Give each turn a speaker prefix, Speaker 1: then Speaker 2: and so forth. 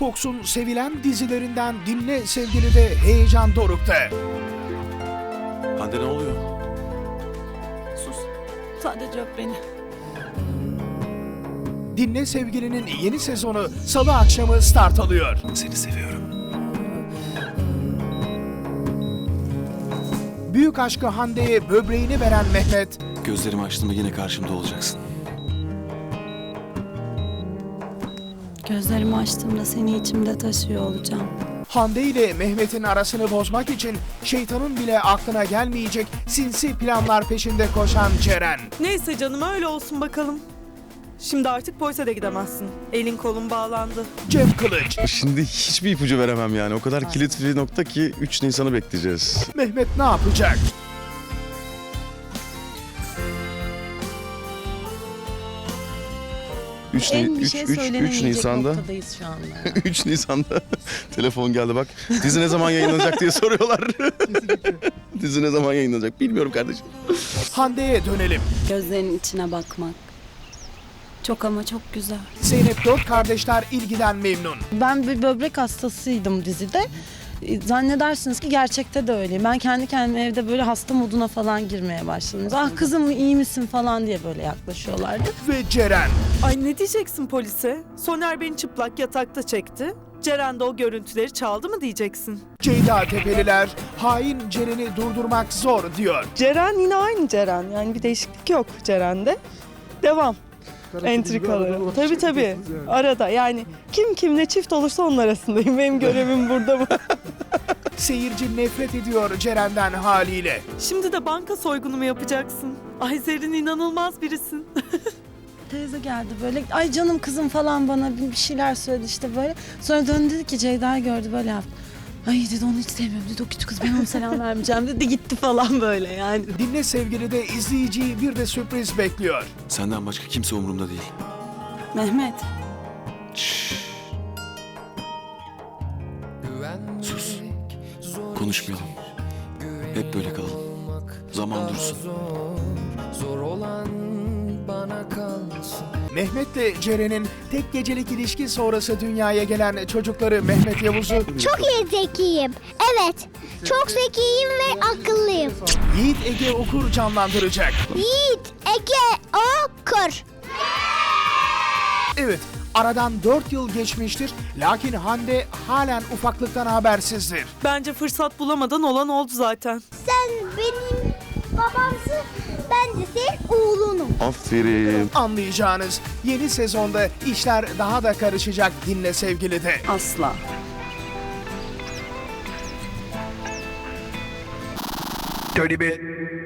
Speaker 1: Fox'un sevilen dizilerinden Dinle Sevgili'de heyecan dorukta.
Speaker 2: Hande ne oluyor?
Speaker 3: Sus. Sadece öp beni.
Speaker 1: Dinle Sevgili'nin yeni sezonu Salı akşamı start alıyor.
Speaker 2: Seni seviyorum.
Speaker 1: Büyük aşkı Hande'ye böbreğini veren Mehmet,
Speaker 2: Gözlerimi açtığımda yine karşımda olacaksın.
Speaker 3: Gözlerimi açtığımda seni içimde taşıyor olacağım.
Speaker 1: Hande ile Mehmet'in arasını bozmak için şeytanın bile aklına gelmeyecek sinsi planlar peşinde koşan Ceren.
Speaker 4: Neyse canım öyle olsun bakalım. Şimdi artık polise de gidemezsin. Elin kolun bağlandı.
Speaker 1: Cem Kılıç,
Speaker 5: Şimdi hiçbir ipucu veremem yani. O kadar kilit bir nokta ki 3 Nisan'ı bekleyeceğiz.
Speaker 1: Mehmet ne yapacak?
Speaker 6: Bir şey
Speaker 5: 3
Speaker 6: söylenemeyecek
Speaker 5: Nisan'da
Speaker 6: noktadayız şu anda.
Speaker 5: 3 Nisan'da telefon geldi bak. Dizi ne zaman yayınlanacak diye soruyorlar. Dizi ne zaman yayınlanacak bilmiyorum kardeşim.
Speaker 1: Hande'ye dönelim.
Speaker 3: Gözlerinin içine bakmak. Çok ama çok güzel.
Speaker 1: Zeynep dört kardeşler ilgiden memnun.
Speaker 6: Ben bir böbrek hastasıydım dizide. Zannedersiniz ki gerçekte de öyleyim. Ben kendi kendime evde böyle hasta moduna falan girmeye başladım. Ah kızım iyi misin falan diye böyle yaklaşıyorlardı.
Speaker 1: Ve Ceren.
Speaker 4: Ay ne diyeceksin polise? Soner beni çıplak yatakta çekti. Ceren de o görüntüleri çaldı mı diyeceksin?
Speaker 1: Ceyda Tepeliler hain Ceren'i durdurmak zor diyor.
Speaker 4: Ceren yine aynı Ceren. Yani bir değişiklik yok Ceren'de. Devam. Entrikaları. Tabii. Arada yani kim kimle çift olursa onun arasındayım. Benim görevim burada bu.
Speaker 1: Seyirci nefret ediyor Ceren'den haliyle.
Speaker 4: Şimdi de banka soygunu mu yapacaksın? Ay Zerrin inanılmaz birisin.
Speaker 6: Teyze geldi böyle ay canım kızım falan bana bir şeyler söyledi işte böyle. Sonra döndü dedi ki Ceyda gördü böyle yaptı. Ay dedi onu hiç sevmiyorum dedi o küçük kız ben ona selam vermeyeceğim dedi gitti falan böyle yani.
Speaker 1: Dinle Sevgili de izleyiciyi bir de sürpriz bekliyor.
Speaker 2: Senden başka kimse umurumda değil.
Speaker 3: Mehmet.
Speaker 2: Şşş. Sus. Konuşmayalım. Hep böyle kalalım. Zaman dursun.
Speaker 7: Zor olan bana kalsın.
Speaker 1: Mehmet'le Ceren'in tek gecelik ilişki sonrası dünyaya gelen çocukları Mehmet Yavuz'u
Speaker 8: Çok zekiyim. Evet. Çok zekiyim ve akıllıyım.
Speaker 1: Yiğit Ege Okur canlandıracak.
Speaker 8: Yiğit Ege Okur.
Speaker 1: Evet, aradan 4 yıl geçmiştir. Lakin Hande halen ufaklıktan habersizdir.
Speaker 4: Bence fırsat bulamadan olan oldu zaten.
Speaker 8: Sen benim babamsın. Ben de senin oğlunum.
Speaker 5: Aferin.
Speaker 1: Anlayacağınız yeni sezonda işler daha da karışacak Dinle Sevgili'de.
Speaker 3: Asla.
Speaker 1: Tony